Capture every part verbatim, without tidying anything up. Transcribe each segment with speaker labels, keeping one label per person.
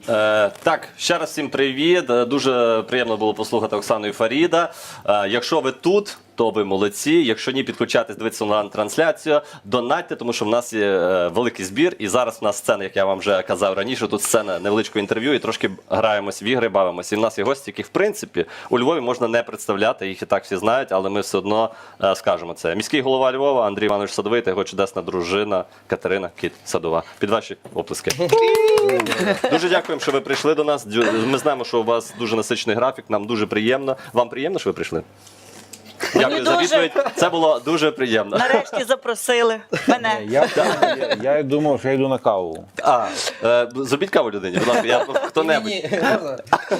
Speaker 1: Е, так, ще раз всім привіт. Е, Дуже приємно було послухати Оксану і Фаріда. Е, якщо ви тут, то ви молодці. Якщо ні, підключайтесь, дивитися онлайн-трансляцію, донатьте, тому що в нас є е, великий збір. І зараз в нас сцена, як я вам вже казав раніше, тут сцена невеличкого інтерв'ю і трошки граємось в ігри, бавимося. І в нас є гості, яких, в принципі, у Львові можна не представляти, їх і так всі знають, але ми все одно е, скажемо це. Міський голова Львова Андрій Іванович Садовий та його чудесна дружина Катерина Кіт Садова. Під ваші оплески. Дуже дякуємо, що ви прийшли до нас. Ми знаємо, що у вас дуже насичений графік, нам дуже приємно. Вам приємно, що ви прийшли? Дякую за відповідь. Це було дуже приємно.
Speaker 2: Нарешті запросили мене.
Speaker 3: Я, я, я думав, що я йду на каву.
Speaker 1: А, е, зробіть каву людині, будь ласка, я хто-небудь.
Speaker 4: Ні, ні, можна?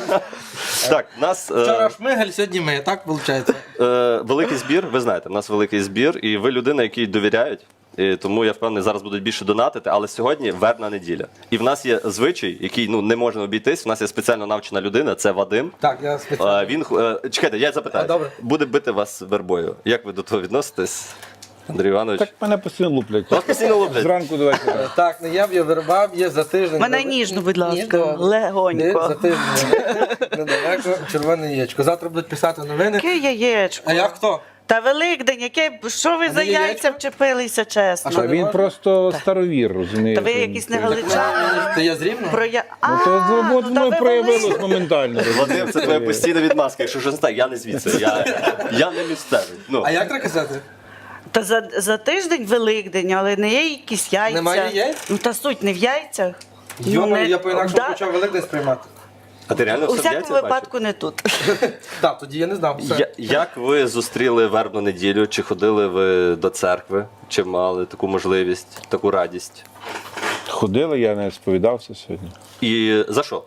Speaker 1: Так, у нас е,
Speaker 4: Вчора Шмигаль, сьогодні ми, так виходить?
Speaker 1: е, великий збір, ви знаєте, у нас великий збір, і ви людина, якій довіряють. І тому я впевнений, зараз будуть більше донатити, але сьогодні вербна неділя. І в нас є звичай, який ну не можна обійтись. У нас є спеціально навчена людина, це Вадим.
Speaker 4: Так, я спеціально.
Speaker 1: Е, Він е, чекайте, я запитаю.
Speaker 4: А, добре.
Speaker 1: Буде бити вас вербою. Як ви до того відноситесь, Андрій Іванович?
Speaker 3: Так мене постійно луплять.
Speaker 1: Вас постійно луплять?
Speaker 3: Зранку до вечора.
Speaker 4: Так, ну я б я вербав, є за тиждень.
Speaker 2: Мене
Speaker 4: Недале-
Speaker 2: ніжно, будь ласка,
Speaker 4: Ніжно.
Speaker 2: легонько.
Speaker 4: Є За тиждень недалеко червоне яєчко. Завтра будуть писати новини.
Speaker 2: Яке яєчко?
Speaker 4: А я хто?
Speaker 2: Та Великдень, яке, що ви
Speaker 4: А
Speaker 2: за
Speaker 4: не яєчко?
Speaker 2: яйця вчепилися, чесно?
Speaker 4: А що,
Speaker 3: А він просто старовір, розумієте.
Speaker 2: Та ви якісь не галичани.
Speaker 4: То я з Рівного?
Speaker 2: Про я...
Speaker 3: Ну то з роботи
Speaker 2: ну, та
Speaker 3: мною
Speaker 2: ви
Speaker 3: проявилось
Speaker 2: Волинь.
Speaker 3: моментально.
Speaker 1: Вадим, це твоя постійна відмазка. Якщо щось не так, я не звідси. Я, я не місцевий. Ну.
Speaker 4: А як треба казати?
Speaker 2: Та за, за тиждень Великдень, але не є якісь яйця.
Speaker 4: Немає яєць?
Speaker 2: Ну та суть не в яйцях.
Speaker 4: Йома,
Speaker 2: не-
Speaker 4: я по-інакшому
Speaker 2: Да.
Speaker 4: почав Великдень сприймати.
Speaker 1: А ти реально
Speaker 2: У
Speaker 1: все в
Speaker 2: всякому
Speaker 1: яйцях
Speaker 2: випадку не тут.
Speaker 4: Так, тоді я не знав. Все.
Speaker 1: Я, як ви зустріли вербну неділю? Чи ходили ви до церкви? Чи мали таку можливість, таку радість?
Speaker 3: Ходили, я не сповідався сьогодні.
Speaker 1: І за що?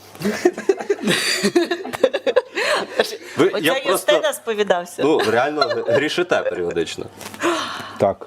Speaker 1: Ви,
Speaker 2: Оця Юстина сповідався.
Speaker 1: ну, реально грішите періодично.
Speaker 3: Так.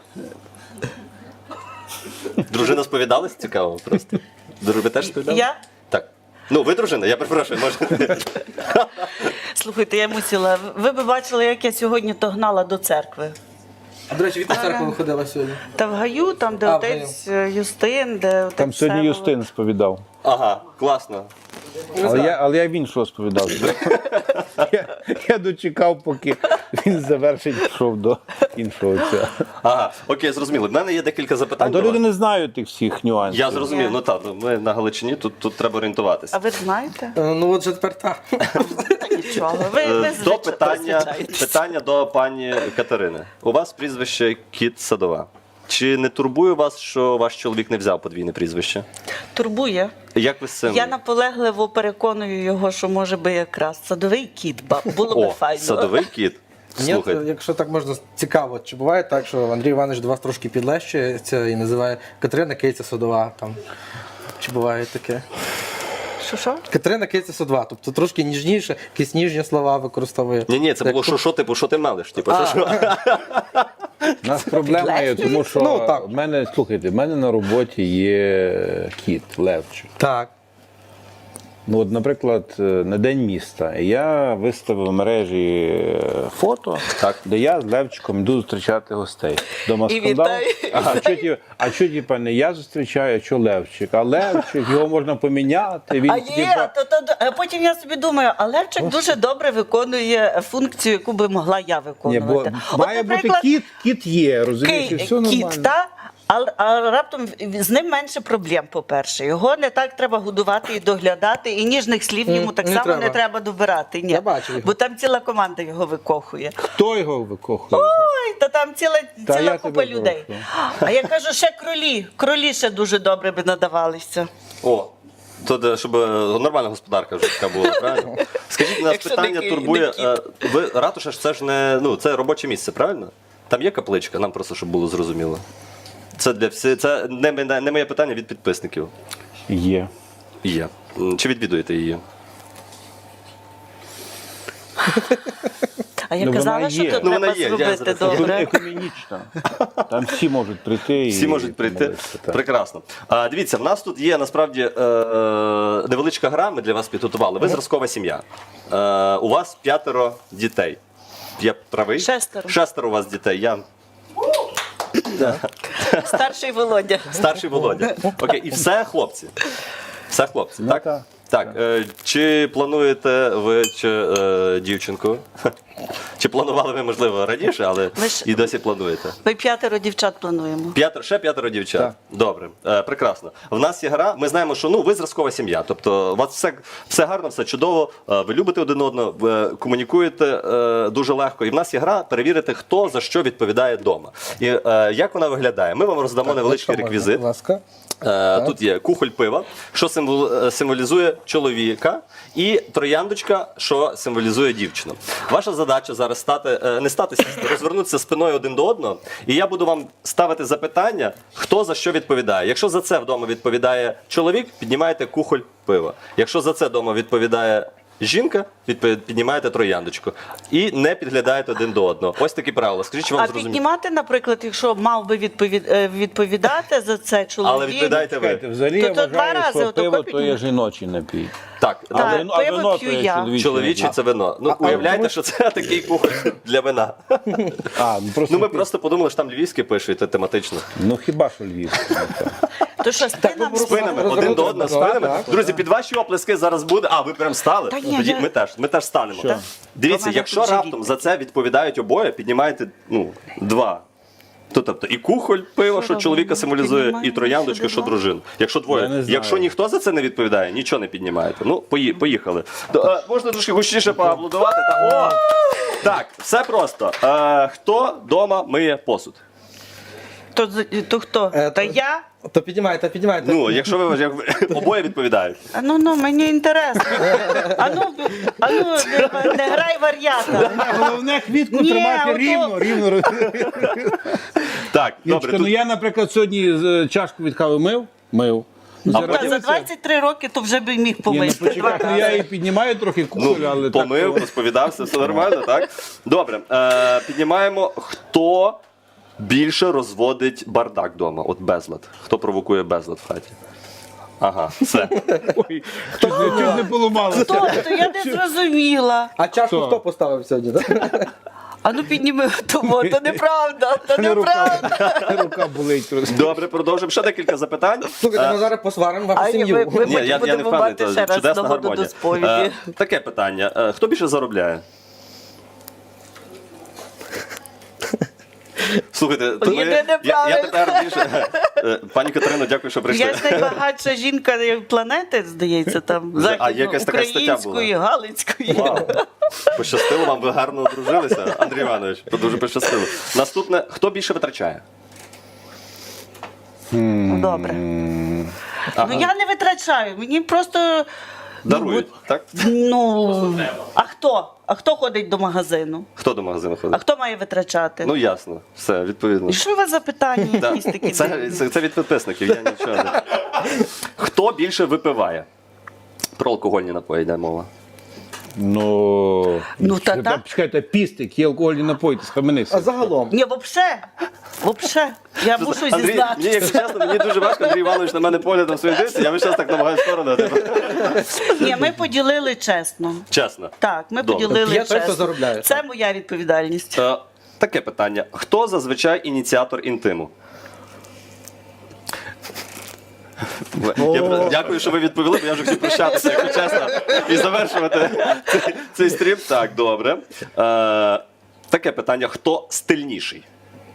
Speaker 1: Дружина сповідалась? Цікаво просто. Ви теж сповідались?
Speaker 2: Я?
Speaker 1: Так. Ну, ви дружина, я перепрошую, може.
Speaker 2: Слухайте, я мусила. Ви б бачили, як я сьогодні то гнала до церкви.
Speaker 4: А до речі, від церкви виходила сьогодні.
Speaker 2: Та в Гаю, там, де
Speaker 4: А, в
Speaker 2: отець е, Юстин, де отець
Speaker 3: Там сьогодні
Speaker 2: Всеволод.
Speaker 3: Юстин сповідав.
Speaker 1: Ага, класно.
Speaker 3: Але я, але я в іншого сповідався. я, я дочекав, поки він завершить, пішов до іншого цього.
Speaker 1: Ага, окей, зрозуміло. В мене є декілька
Speaker 3: А
Speaker 1: запитань.
Speaker 3: то
Speaker 1: до
Speaker 3: люди
Speaker 1: вас.
Speaker 3: не знають тих всіх нюансів.
Speaker 1: Я зрозумів,
Speaker 2: Ні.
Speaker 1: ну так, ну, ми на Галичині, тут, тут треба орієнтуватися.
Speaker 2: А ви знаєте?
Speaker 4: Е, Ну от вже тепер так.
Speaker 2: Нічого. Ви, ви
Speaker 1: Е, До
Speaker 2: звичай-
Speaker 1: питання,
Speaker 2: розвичаєтесь.
Speaker 1: питання до пані Катерини. У вас прізвище Кіт Садова. Чи не турбує вас, що ваш чоловік не взяв подвійне прізвище?
Speaker 2: Турбує.
Speaker 1: Як ви з цим?
Speaker 2: Я наполегливо переконую його, що може би якраз садовий кіт, ба- було би
Speaker 1: О,
Speaker 2: файно.
Speaker 1: садовий кіт.
Speaker 4: Ні,
Speaker 1: Слухайте.
Speaker 4: якщо так можна цікаво, чи буває так, що Андрій Іванович до вас трошки підлещується і називає Катерина Киця Садова там. Чи буває таке?
Speaker 2: Що що?
Speaker 4: Катерина Киця Садова, тобто трошки ніжніше, якісь ніжні слова використовує.
Speaker 1: Ні, ні, це було
Speaker 4: Як-
Speaker 1: що, що типу, що ти мелиш? Типу, що, що?
Speaker 3: У нас проблема є, тому що
Speaker 4: Ну, так.
Speaker 3: в мене, слухайте, в мене на роботі є кіт, Левчик.
Speaker 4: Так.
Speaker 3: Ну, от, наприклад, на День міста я виставив в мережі фото,
Speaker 1: Так.
Speaker 3: де я з Левчиком йду зустрічати гостей. Дома
Speaker 2: І
Speaker 3: скандал.
Speaker 2: вітаю.
Speaker 3: А що, ті- а що, типа, не я зустрічаю, а що Левчик? А Левчик, його можна поміняти. Він,
Speaker 2: А є,
Speaker 3: типа,
Speaker 2: то, то, а потім я собі думаю, а Левчик дуже добре виконує функцію, яку би могла я
Speaker 3: ні,
Speaker 2: виконувати.
Speaker 3: бо має бути кіт, кіт є, розумієш, і
Speaker 2: Кий-
Speaker 3: все нормально.
Speaker 2: кіт, та? А, а раптом з ним менше проблем, по-перше. Його не так треба годувати і доглядати, і ніжних слів
Speaker 4: М,
Speaker 2: йому так
Speaker 4: не
Speaker 2: само
Speaker 4: треба.
Speaker 2: не треба добирати. Ні.
Speaker 4: Я бачив його.
Speaker 2: Бо там ціла команда його викохує.
Speaker 3: Хто його викохує?
Speaker 2: Ой, та там ціла,
Speaker 3: Та
Speaker 2: ціла
Speaker 3: я
Speaker 2: купа
Speaker 3: тебе
Speaker 2: людей.
Speaker 3: прошу.
Speaker 2: А я кажу, ще кролі. Кролі ще дуже добре би надавалися.
Speaker 1: О, то де, щоб е, нормальна господарка вже така була, правильно? Скажіть, нас
Speaker 2: Якщо не
Speaker 1: питання
Speaker 2: ки-
Speaker 1: турбує.
Speaker 2: не кіт.
Speaker 1: е, Ви ратуша ж це ж не ну це робоче місце, правильно? Там є капличка, нам просто щоб було зрозуміло. Це для всі, це не, не, не моє питання від підписників.
Speaker 3: Є.
Speaker 1: Є. М, Чи відвідуєте її?
Speaker 2: А я
Speaker 3: Ну, вона
Speaker 2: казала, що
Speaker 3: є.
Speaker 2: тут
Speaker 1: Ну, вона
Speaker 2: треба
Speaker 1: є, я
Speaker 2: зробити
Speaker 1: зараз-
Speaker 3: Тут
Speaker 2: добре.
Speaker 3: економічно. Там всі можуть прийти.
Speaker 1: Всі
Speaker 3: і
Speaker 1: можуть прийти.
Speaker 3: помолитися, так.
Speaker 1: Прекрасно. А, дивіться, в нас тут є насправді е, е, невеличка гра, ми для вас підготували. Ви зразкова сім'я. Е, у вас п'ятеро дітей. Я правий?
Speaker 2: Шестеро.
Speaker 1: Шестеро у вас дітей. Я
Speaker 2: Старший Володя.
Speaker 1: старший Володя. Окей, і все хлопці. Все, хлопці,
Speaker 3: Ну,
Speaker 1: так?
Speaker 3: так.
Speaker 1: Так, е, чи плануєте ви чи, е, дівчинку? Чи планували ви, можливо, раніше, але
Speaker 2: Ми ж-
Speaker 1: і досі плануєте?
Speaker 2: Ми п'ятеро дівчат плануємо.
Speaker 1: П'ятеро, ще п'ятеро дівчат.
Speaker 3: Так.
Speaker 1: Добре, е, прекрасно. В нас є гра. Ми знаємо, що ну ви зразкова сім'я. Тобто, у вас все, все гарно, все чудово. е, Ви любите один одного, ви комунікуєте е, дуже легко. І в нас є гра перевірити, хто за що відповідає вдома. І е, як вона виглядає? Ми вам роздамо невеличкий
Speaker 4: Якщо можна,
Speaker 1: реквізит.
Speaker 4: Будь ласка.
Speaker 1: Е, Тут є кухоль пива, що символ- е, символізує чоловіка, і трояндочка, що символізує дівчину. Ваша задача зараз стати, е, не стати, сісти, розвернутися спиною один до одного, і я буду вам ставити запитання, хто за що відповідає. Якщо за це вдома відповідає чоловік, піднімаєте кухоль пива. Якщо за це вдома відповідає жінка, відповід- піднімаєте трояндочку. І не підглядаєте один до одного. Ось такі правила. Скажіть, чи вам
Speaker 2: А
Speaker 1: зрозуміло?
Speaker 2: піднімати, наприклад, якщо мав би відповід... е, відповідати за це чоловік.
Speaker 1: Але відповідаєте ви.
Speaker 3: Чекайте, взагалі
Speaker 2: То-
Speaker 3: я
Speaker 2: то два
Speaker 3: вважаю,
Speaker 2: рази
Speaker 3: що
Speaker 2: отако
Speaker 3: пиво то
Speaker 2: піднімати.
Speaker 3: є жіночий напій.
Speaker 1: Так,
Speaker 3: А
Speaker 2: Так,
Speaker 3: вино, а
Speaker 2: пиво
Speaker 3: вино
Speaker 2: п'ю
Speaker 3: то є
Speaker 2: я.
Speaker 3: чоловічий.
Speaker 1: чоловічий
Speaker 3: напій.
Speaker 1: це вино. Ну,
Speaker 4: а
Speaker 1: уявляєте,
Speaker 4: тому-
Speaker 1: що це такий кухоль для вина.
Speaker 3: А, ну просто,
Speaker 1: Ну, ми просто подумали, що там львівське пишуть тематично.
Speaker 3: ну хіба що Львів.
Speaker 2: То що, спинами?
Speaker 1: Спинами,
Speaker 4: Розвернути
Speaker 1: один до одного,
Speaker 4: назад,
Speaker 1: спинами.
Speaker 4: так,
Speaker 1: Друзі, під ваші оплески зараз буде. А, ви прям стали?
Speaker 2: Та ні,
Speaker 1: Тоді
Speaker 2: я-
Speaker 1: ми теж, ми теж станемо.
Speaker 3: Що?
Speaker 1: Дивіться,
Speaker 2: До мене
Speaker 1: якщо
Speaker 2: тут
Speaker 1: раптом
Speaker 2: живіт.
Speaker 1: за це відповідають обоє, піднімаєте ну, два. То, тобто і кухоль пиво, що
Speaker 2: Що
Speaker 1: чоловіка
Speaker 2: робимо?
Speaker 1: символізує, і
Speaker 2: Піднімаємо
Speaker 1: трояндочка,
Speaker 2: сюди
Speaker 1: що
Speaker 2: два?
Speaker 1: дружину. Якщо
Speaker 3: Я
Speaker 1: двоє.
Speaker 3: не знаю.
Speaker 1: Якщо ніхто за це не відповідає, нічого не піднімаєте. Ну, пої- поїхали. То, е, можна трошки гучніше поаплодувати. Та, о! Так, все просто. Е, хто вдома миє посуд?
Speaker 2: То, з- то хто?
Speaker 4: Е,
Speaker 2: Та
Speaker 4: то-
Speaker 2: я?
Speaker 4: То піднімайте, піднімайте.
Speaker 1: Ну, якщо ви, як ви обоє відповідають.
Speaker 2: А ну, ну, мені інтересно. А ну, а ну не, не грай вар'ята.
Speaker 3: Головне квітку
Speaker 2: Ні,
Speaker 3: тримати
Speaker 2: ото-
Speaker 3: рівно, рівно.
Speaker 1: Так, добре.
Speaker 3: Юрочка, ну
Speaker 1: Тут...
Speaker 3: я, наприклад, сьогодні з- чашку від кави мив, мив. Ну,
Speaker 1: А
Speaker 3: зараз
Speaker 2: Та, за
Speaker 3: дивися.
Speaker 2: двадцять три роки то вже би міг
Speaker 3: Ні, ну
Speaker 2: помити.
Speaker 3: почекай,
Speaker 2: два
Speaker 3: ну я
Speaker 2: рази.
Speaker 3: її піднімаю трохи кухоль,
Speaker 1: Ну,
Speaker 3: але
Speaker 1: помив,
Speaker 3: так.
Speaker 1: розповідався, все нормально, так? Добре, е, піднімаємо, хто більше розводить бардак вдома, от безлад. Хто провокує безлад в хаті? Ага, все.
Speaker 3: Ой, чуть, не- чуть не поламалося.
Speaker 2: Хто? То я не зрозуміла.
Speaker 4: А чашку
Speaker 3: Хто?
Speaker 4: хто поставив сьогодні? Так?
Speaker 2: А ну підніми того, то неправда, то
Speaker 3: Не рука,
Speaker 2: неправда.
Speaker 3: рука болить просто.
Speaker 1: Добре, продовжимо. Ще декілька запитань.
Speaker 4: Слухайте, ми зараз посваримо вашу
Speaker 2: А ні,
Speaker 4: сім'ю.
Speaker 2: ви- ви-
Speaker 1: Ні, я, я не
Speaker 2: будемо
Speaker 1: впевнений,
Speaker 2: мати
Speaker 1: то
Speaker 2: ще раз
Speaker 1: чудесна
Speaker 2: нагоду
Speaker 1: гармонія.
Speaker 2: до сповіді.
Speaker 1: Е, таке питання. Е, хто більше заробляє? Слухайте, то ми,
Speaker 2: Єдине
Speaker 1: я, я
Speaker 2: правильно.
Speaker 1: тепер більше. Е, Пані Катерино, дякую, що прийшли.
Speaker 2: Я ж найбагатша жінка планети, здається, там
Speaker 1: Вже- а якась така стаття була?
Speaker 2: української, галицької.
Speaker 1: Вау. Пощастило вам, ви гарно одружилися, Андрій Іванович. Дуже пощастило. Наступне, хто більше витрачає?
Speaker 2: Ну, добре.
Speaker 1: Ага.
Speaker 2: Ну я не витрачаю, мені просто.
Speaker 1: Дарують, так?
Speaker 2: Ну, а хто? А хто ходить до магазину?
Speaker 1: Хто до магазину
Speaker 2: А
Speaker 1: ходить?
Speaker 2: хто має витрачати?
Speaker 1: Ну ясно, все, відповідно.
Speaker 2: І що у вас за питання
Speaker 1: Да.
Speaker 2: якісь такі?
Speaker 1: Це,
Speaker 2: дивні?
Speaker 1: це, це від підписників, я нічого не. Хто більше випиває? Про алкогольні напої йде мова.
Speaker 3: Ну,
Speaker 2: Ну, та
Speaker 3: чекайте,
Speaker 2: так.
Speaker 3: чекайте, пістик, є алкогольні напої, ти схаменися.
Speaker 4: А загалом?
Speaker 2: Ні, вообще, вообще, я мушу
Speaker 1: Андрій, мені,
Speaker 2: зізнатися.
Speaker 1: якщо чесно, мені дуже важко, Андрій Іванович на мене поглядом своїм дивиться, я весь час так намагаюся сторону. Типу.
Speaker 2: Ні, ми поділили чесно.
Speaker 1: Чесно.
Speaker 2: Так, ми
Speaker 1: Добре.
Speaker 2: поділили
Speaker 4: Є той, хто
Speaker 2: чесно.
Speaker 4: заробляє.
Speaker 2: Це моя відповідальність.
Speaker 1: Е, таке питання. Хто зазвичай ініціатор інтиму? Я, дякую, що ви відповіли, бо я вже хотів прощатися, якщо чесно, і завершувати цей, цей стрім. Так, добре. Е, таке питання. Хто стильніший?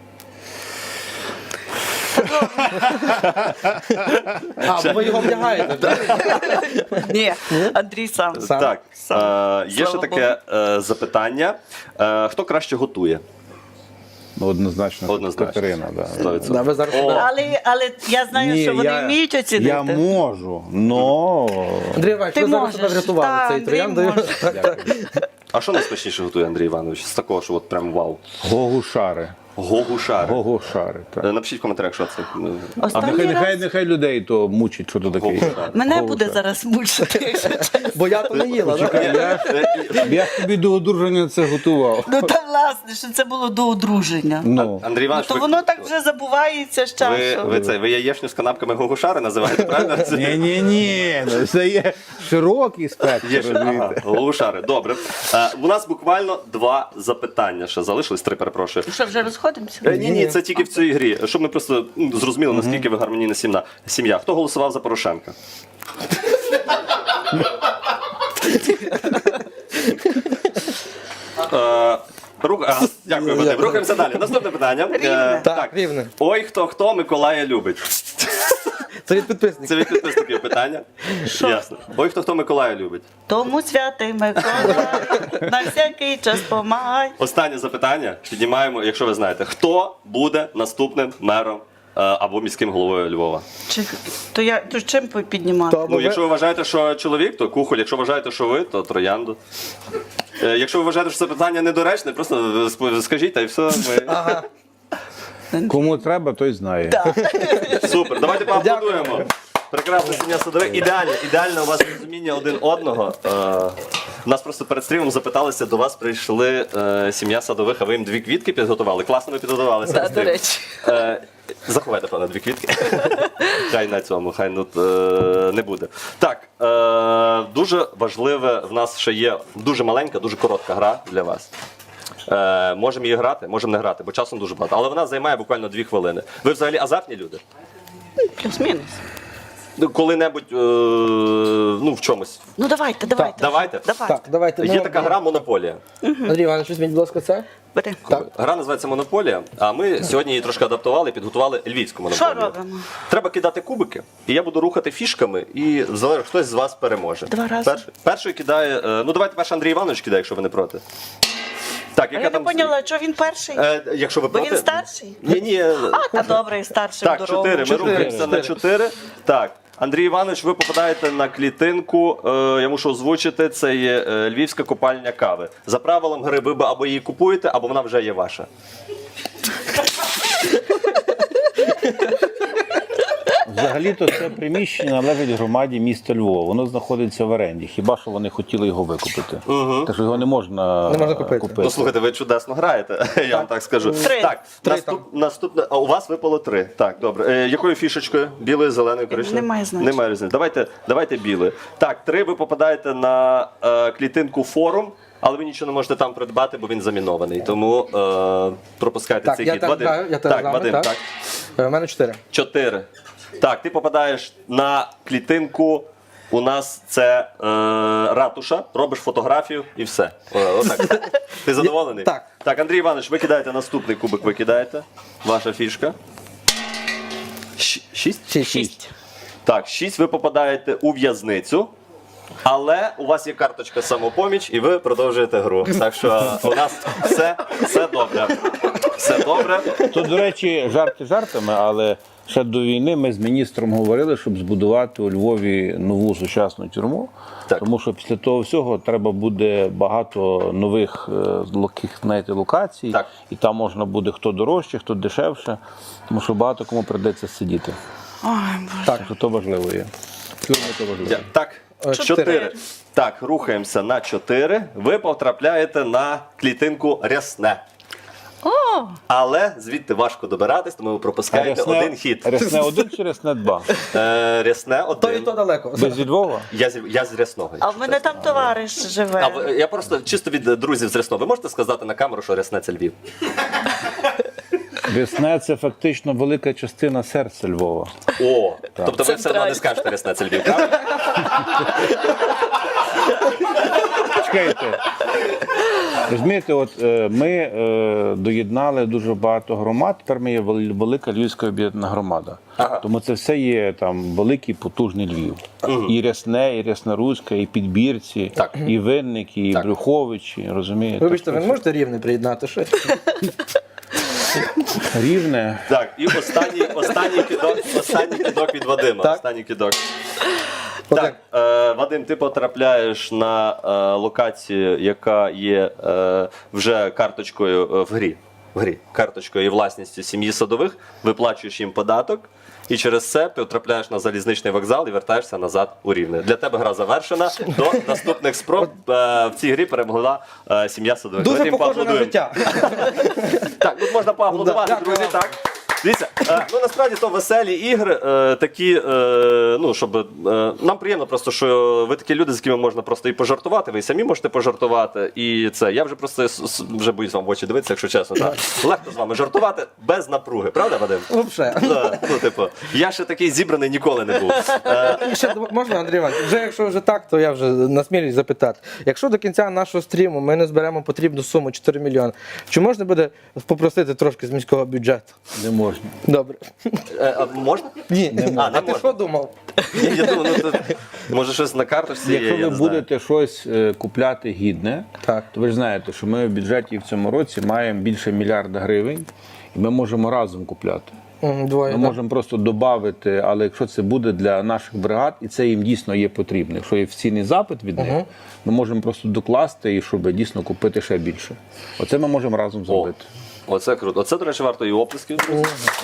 Speaker 4: А, бо ви його вдягаєте, так?
Speaker 2: Ні, Андрій сам.
Speaker 4: Сам?
Speaker 1: Так, е, є ще
Speaker 2: Слава
Speaker 1: таке е, запитання. Е, хто краще готує?
Speaker 3: Ну, однозначно,
Speaker 1: Однозначно.
Speaker 3: Катерина, да.
Speaker 1: сто відсотків.
Speaker 4: Да, ви зараз
Speaker 1: О,
Speaker 2: Але, але я знаю,
Speaker 3: Ні,
Speaker 2: що вони
Speaker 3: я-
Speaker 2: вміють оцінити.
Speaker 3: Я можу, но...
Speaker 4: Андрій Іванович,
Speaker 2: Ти
Speaker 4: ви зараз
Speaker 2: можеш.
Speaker 4: себе врятували
Speaker 2: Та,
Speaker 4: цей
Speaker 2: Андрій
Speaker 4: трояндою.
Speaker 2: може.
Speaker 1: А що найсмачніше готує Андрій Іванович? З такого, що от прям вау.
Speaker 3: Гогушари.
Speaker 1: Гогушари.
Speaker 3: Гогушари, так.
Speaker 1: Е, Напишіть в коментарях, що це.
Speaker 3: А
Speaker 2: Останній
Speaker 3: нехай,
Speaker 2: раз
Speaker 3: нехай, нехай людей то мучить, що то таке.
Speaker 1: Гогушари.
Speaker 2: мене
Speaker 3: Гогушари.
Speaker 2: буде зараз мучити, якщо чесно.
Speaker 4: Бо я то не їла, так?
Speaker 3: Я, ж- я ж тобі до одруження це готував.
Speaker 2: Ну та власне, що це було до одруження.
Speaker 3: Ну,
Speaker 1: Андрій
Speaker 2: Ну,
Speaker 1: Іванович,
Speaker 2: то
Speaker 1: ви,
Speaker 2: воно так вже забувається з
Speaker 1: ви,
Speaker 2: часом.
Speaker 1: ви, це, ви яєчню з канапками Гогушари називаєте, правильно? Це-
Speaker 3: ні, ні, ні, ну, це є широкий спектр,
Speaker 1: Є ще, ага,
Speaker 3: розумієте.
Speaker 1: Гогушари, добре. Е, у нас буквально два запитання ще залишились, три, перепрошую.
Speaker 2: Що вже розходимо? розходимося?
Speaker 1: Е, Ні, ні, це тільки в цій грі. Щоб ми просто ну, зрозуміли, наскільки ви гармонійна сім'я. Сім'я. Хто голосував за Порошенка? Е, рух- а, Дякую, Вадим. Рухаємося далі. Наступне питання. Е,
Speaker 2: Рівне.
Speaker 4: Так, рівне.
Speaker 1: Ой, хто хто Миколая любить.
Speaker 4: Це від підписників.
Speaker 1: Це від підписників питання. Ясно. Ой, хто хто Миколая любить.
Speaker 2: Тому святий Микола, на всякий час помагай.
Speaker 1: Останнє запитання. Піднімаємо, якщо ви знаєте, хто буде наступним мером е, або міським головою Львова.
Speaker 2: Чи, то я то чим піднімати?
Speaker 4: То-
Speaker 1: Ну,
Speaker 4: ви-
Speaker 1: якщо ви вважаєте, що чоловік, то Кухоль. Якщо вважаєте, що ви, то Троянду. Е, Якщо ви вважаєте, що це питання недоречне, просто сп- скажіть, та й все. Ми...
Speaker 4: Ага.
Speaker 3: Кому треба, той знає.
Speaker 1: Супер, давайте поаплодуємо. Прекрасна сім'я Садових. Ідеально, ідеально у вас розуміння один одного. Е, Нас просто перед стрімом запиталися, до вас прийшли е, сім'я Садових, а ви їм дві квітки підготували. Класно ви підготувалися.
Speaker 2: Так,
Speaker 1: на
Speaker 2: до
Speaker 1: стрім.
Speaker 2: речі.
Speaker 1: Е, Заховайте, пане, дві квітки. Хай на цьому, хай ну, е, не буде. Так, е, дуже важливе в нас ще є дуже маленька, дуже коротка гра для вас. Е, можемо її грати, можемо не грати, бо часом дуже багато. Але вона займає буквально дві хвилини. Ви взагалі азартні люди?
Speaker 2: Плюс-мінус.
Speaker 1: Ну, коли-небудь е, ну, в чомусь.
Speaker 2: Ну давайте, давайте.
Speaker 1: давайте.
Speaker 2: Давайте.
Speaker 4: Так, давайте.
Speaker 1: Є
Speaker 4: ну,
Speaker 1: така гра Монополія.
Speaker 4: Андрій Іванович, візьміть, будь ласка, це.
Speaker 2: Бери.
Speaker 4: Так.
Speaker 1: Гра називається Монополія, а ми сьогодні її трошки адаптували і підготували львівську монополію.
Speaker 2: Що робимо?
Speaker 1: Треба кидати кубики, і я буду рухати фішками, і залежить, хтось з вас переможе.
Speaker 2: Два рази.
Speaker 1: Перший, перший кидає. е, Ну давайте перший Андрій Іванович кидає, якщо ви не проти. Так,
Speaker 2: А
Speaker 1: яка
Speaker 2: я не
Speaker 1: там.
Speaker 2: поняла, що він перший?
Speaker 1: Е, якщо ви
Speaker 2: Бо
Speaker 1: проти.
Speaker 2: він старший?
Speaker 1: Ні, ні.
Speaker 2: А, та добре, старший
Speaker 1: Так,
Speaker 2: дорогу.
Speaker 1: чотири. Ми
Speaker 4: Чотири.
Speaker 1: рухаємося на чотири. Так. Андрій Іванович, ви попадаєте на клітинку, е, я мушу озвучити, це є е, львівська копальня кави. За правилом гри ви або її купуєте, або вона вже є ваша.
Speaker 3: Взагалі-то це приміщення належить громаді міста Львова. Воно знаходиться в оренді. Хіба що вони хотіли його викупити. Так що його не можна,
Speaker 4: Не можна купити.
Speaker 1: Ну, слухайте, ви чудесно граєте, я вам так скажу.
Speaker 2: Три.
Speaker 1: Так,
Speaker 4: Три
Speaker 1: наступ, наступне, а у вас випало три. Так, добре. Е, якою фішечкою? Білою, зеленою, коричневою?
Speaker 2: Немає значення.
Speaker 1: Немає різниці. Давайте, давайте білою. Так, три ви попадаєте на е, клітинку форум, але ви нічого не можете там придбати, бо він замінований. Тому е, пропускайте
Speaker 4: Так,
Speaker 1: цей
Speaker 4: я
Speaker 1: хід.
Speaker 4: так
Speaker 1: Вадим,
Speaker 4: граю, я теж
Speaker 1: так,
Speaker 4: з вами,
Speaker 1: Вадим,
Speaker 4: так.
Speaker 1: так.
Speaker 4: Е, У мене чотири.
Speaker 1: Чотири. Так, ти попадаєш на клітинку. У нас це е, ратуша, робиш фотографію і все. О, отак. Ти задоволений?
Speaker 4: Так.
Speaker 1: Так, Андрій Іванович, ви кидаєте наступний кубик, ви кидаєте. Ваша фішка. Щ- Шість?
Speaker 4: Шість.
Speaker 2: Шість.
Speaker 1: Так, шість ви попадаєте у в'язницю. Але у вас є карточка самопоміч і ви продовжуєте гру. Так що у нас все, все добре. Все добре.
Speaker 3: То, до речі, жарти жартами, але ще до війни ми з міністром говорили, щоб збудувати у Львові нову сучасну тюрму.
Speaker 1: Так.
Speaker 3: Тому що після того всього треба буде багато нових е, локих, знаєте, локацій.
Speaker 1: Так.
Speaker 3: І там можна буде хто дорожче, хто дешевше. Тому що багато кому прийдеться сидіти.
Speaker 2: Ой, Боже.
Speaker 3: Так, що то важливо є. Тюрми то важливо.
Speaker 1: Я- Так,
Speaker 4: Е,
Speaker 1: чотири.
Speaker 2: чотири.
Speaker 1: Так, рухаємося на чотири. Ви потрапляєте на клітинку рясне.
Speaker 2: О,
Speaker 1: Але звідти важко добиратись, тому ви пропускаєте один хід.
Speaker 3: Рясне один чи рясне два?
Speaker 1: Е, рясне
Speaker 4: То і
Speaker 1: один.
Speaker 4: то далеко.
Speaker 3: Ви зі Львова?
Speaker 1: Я, з- я з рясного.
Speaker 2: а
Speaker 1: якщо
Speaker 2: в мене
Speaker 1: чесно.
Speaker 2: там товариш живе.
Speaker 1: А ви- я просто чисто від друзів з рясного. Ви можете сказати на камеру, що рясне це Львів?
Speaker 3: Рясне – це фактично велика частина серця Львова.
Speaker 1: О, тобто ви все одно не
Speaker 2: Центральний.
Speaker 1: скажете рясне це Львів, правда?
Speaker 3: Чекайте. Розумієте, от е, ми е, доєднали дуже багато громад, тепер ми є вел- велика Львівська об'єднана громада.
Speaker 1: Ага.
Speaker 3: Тому це все є там великий, потужний Львів. І Рясне, і Рясноруська, і Підбірці,
Speaker 1: Так.
Speaker 3: і Винники, і
Speaker 1: Так.
Speaker 3: Брюховичі, розумієте?
Speaker 4: Вибачте, ви
Speaker 3: Так,
Speaker 4: не можете рівне приєднати щось?
Speaker 3: Рівне.
Speaker 1: Так, і останній, останній кидок, останній кидок від Вадима.
Speaker 4: Так.
Speaker 1: Останній кидок.
Speaker 4: Отак.
Speaker 1: Так, е, Вадим, ти потрапляєш на е, локацію, яка є е, вже карточкою е, в грі. В грі. Карточкою і власністю сім'ї Садових, виплачуєш їм податок, і через це ти потрапляєш на залізничний вокзал і вертаєшся назад у Рівне. Для тебе гра завершена. До наступних спроб е, в цій грі перемогла е, сім'я Садових.
Speaker 4: Дуже
Speaker 1: Давайте їм
Speaker 4: похоже на
Speaker 1: поаплодуємо.
Speaker 4: життя.
Speaker 1: Так, тут можна поаплодувати,
Speaker 4: Да, дякую
Speaker 1: друзі.
Speaker 4: вам.
Speaker 1: Так. Дивіться, е, ну насправді то веселі ігри, е, такі, е, ну, щоб, е, нам приємно просто, що ви такі люди, з якими можна просто і пожартувати, ви і самі можете пожартувати, і це, я вже просто с- с- вже боюсь вам в очі дивитися, якщо чесно, так. Легко з вами жартувати без напруги, правда, Вадим?
Speaker 4: Взагалі.
Speaker 1: Да, ну, типу, я ще такий зібраний ніколи не був. Е,
Speaker 4: І ще можна, Андрій Іванович, вже якщо вже так, то я вже насмілюсь запитати. Якщо до кінця нашого стріму ми не зберемо потрібну суму чотири мільйони, чи можна буде попросити трошки з міського бюджету?
Speaker 3: Не можна.
Speaker 4: Добре.
Speaker 1: е, а можна?
Speaker 4: Ні,
Speaker 1: А, не
Speaker 4: а ти
Speaker 1: можна.
Speaker 4: що думав?
Speaker 1: Я, я думаю, ну, то, може щось на карточці є,
Speaker 3: Якщо
Speaker 1: я
Speaker 3: ви
Speaker 1: не знаю.
Speaker 3: будете щось е, купляти гідне,
Speaker 4: Так.
Speaker 3: то ви ж знаєте, що ми в бюджеті в цьому році маємо більше мільярда гривень, і ми можемо разом купляти.
Speaker 4: М, Двоє.
Speaker 3: Ми
Speaker 4: да.
Speaker 3: можемо просто додати, але якщо це буде для наших бригад, і це їм дійсно є потрібно. Якщо є офіційний запит від них, ми можемо просто докласти і щоб дійсно купити ще більше. Оце ми можемо разом
Speaker 1: О,
Speaker 3: зробити.
Speaker 1: оце круто. Оце, до речі, варто і оплесків. друзі.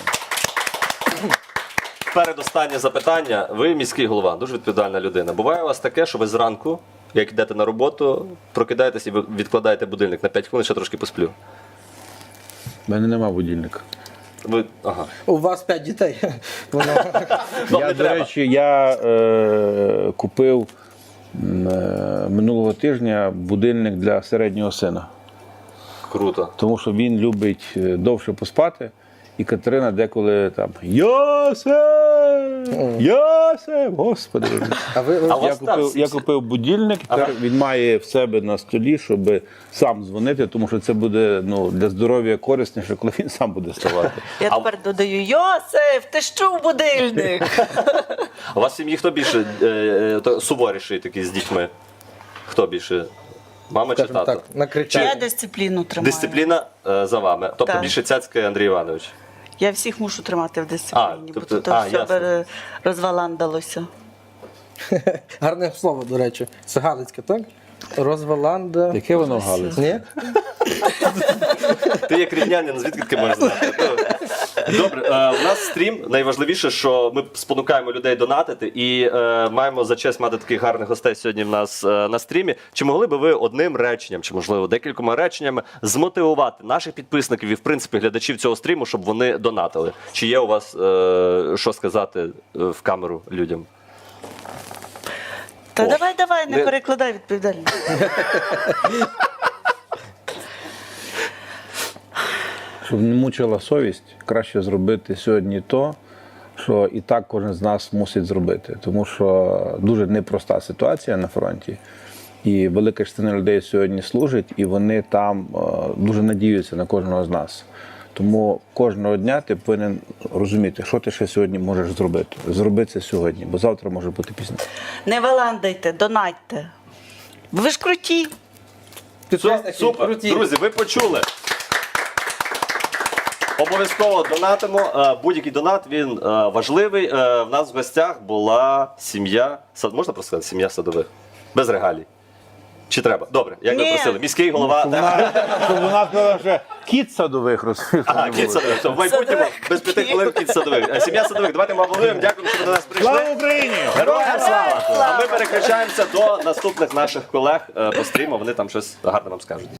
Speaker 1: Передостаннє запитання. Ви міський голова, дуже відповідальна людина. Буває у вас таке, що ви зранку, як йдете на роботу, прокидаєтесь і ви відкладаєте будильник на п'ять хвилин, ще трошки посплю.
Speaker 3: У мене нема будильника.
Speaker 1: Ви, ага.
Speaker 4: У вас п'ять дітей. Воно...
Speaker 1: Вам
Speaker 3: Я,
Speaker 1: не
Speaker 3: до
Speaker 1: треба.
Speaker 3: речі, я е, купив м, е, минулого тижня будильник для середнього сина.
Speaker 1: Круто.
Speaker 3: Тому що він любить е, довше поспати. І Катерина деколи там Йосип! Йосип! Господи!
Speaker 4: А ви, ви-
Speaker 1: А у
Speaker 3: Я
Speaker 1: вас там
Speaker 3: купив, я
Speaker 1: всі-
Speaker 3: купив будильник,
Speaker 1: А
Speaker 3: тепер
Speaker 1: ви-
Speaker 3: він має в себе на столі, щоб сам дзвонити, тому що це буде ну, для здоров'я корисніше, коли він сам буде ставати.
Speaker 2: Я
Speaker 1: А-
Speaker 2: тепер додаю: Йосиф, ти що в будильник?
Speaker 1: А у вас в сім'ї хто більше е, е, то суворіший такий з дітьми? Хто більше? Мама чи
Speaker 4: скажімо
Speaker 1: тато?
Speaker 4: так, накричати.
Speaker 2: Я дисципліну тримаю.
Speaker 1: Дисципліна е, за вами. Тобто
Speaker 2: Так.
Speaker 1: більше цяцький Андрій Іванович.
Speaker 2: Я всіх мушу тримати в дисципліні,
Speaker 1: А,
Speaker 2: бо
Speaker 1: тобто-
Speaker 2: тут
Speaker 1: а,
Speaker 2: все
Speaker 1: ясно.
Speaker 2: бере- розваландалося.
Speaker 4: Гарне слово, до речі. Це Галицьке, так? Розваланда.
Speaker 3: Яке воно галицьке?
Speaker 4: Ні?
Speaker 1: Ти як рівнянин, звідки ти можеш знати? Добре, е, у нас стрім. Найважливіше, що ми спонукаємо людей донатити і е, маємо за честь мати таких гарних гостей сьогодні в нас е, на стрімі. Чи могли би ви одним реченням, чи можливо декількома реченнями змотивувати наших підписників і в принципі глядачів цього стріму, щоб вони донатили? Чи є у вас е, що сказати е, в камеру людям?
Speaker 2: Та
Speaker 1: О,
Speaker 2: давай, давай, не
Speaker 1: не-
Speaker 2: перекладай відповідальність.
Speaker 3: Щоб не мучила совість, краще зробити сьогодні то, що і так кожен з нас мусить зробити. Тому що дуже непроста ситуація на фронті. І велика частина людей сьогодні служить, і вони там е, дуже надіються на кожного з нас. Тому кожного дня ти повинен розуміти, що ти ще сьогодні можеш зробити. Зроби це сьогодні, бо завтра може бути пізніше.
Speaker 2: Не валандайте, донатьте. Ви ж круті.
Speaker 1: Все,
Speaker 4: Підписники
Speaker 1: супер.
Speaker 4: круті.
Speaker 1: Друзі, ви почули. Обов'язково донатимо. Е, Будь-який донат він е, важливий. Е, В нас в гостях була сім'я. Сад можна просто сказати? Сім'я Садових. Без регалій. Чи треба? Добре, як ви
Speaker 2: Ні.
Speaker 1: просили. Міський голова.
Speaker 3: Щоб вона, щоб вона сказала, що кіт садових розповів.
Speaker 1: Ага, кіт Садових. Все, в майбутньому
Speaker 2: Садових.
Speaker 1: без п'яти хвилин кіт Садових. Е, Сім'я Садових. Давайте ми аплодуємо. Дякуємо, що ви до нас прийшли.
Speaker 3: Слава Україні!
Speaker 1: Героям слава!
Speaker 2: слава!
Speaker 1: А ми переключаємося до наступних наших колег е, по стріму. Вони там щось гарне вам скажуть.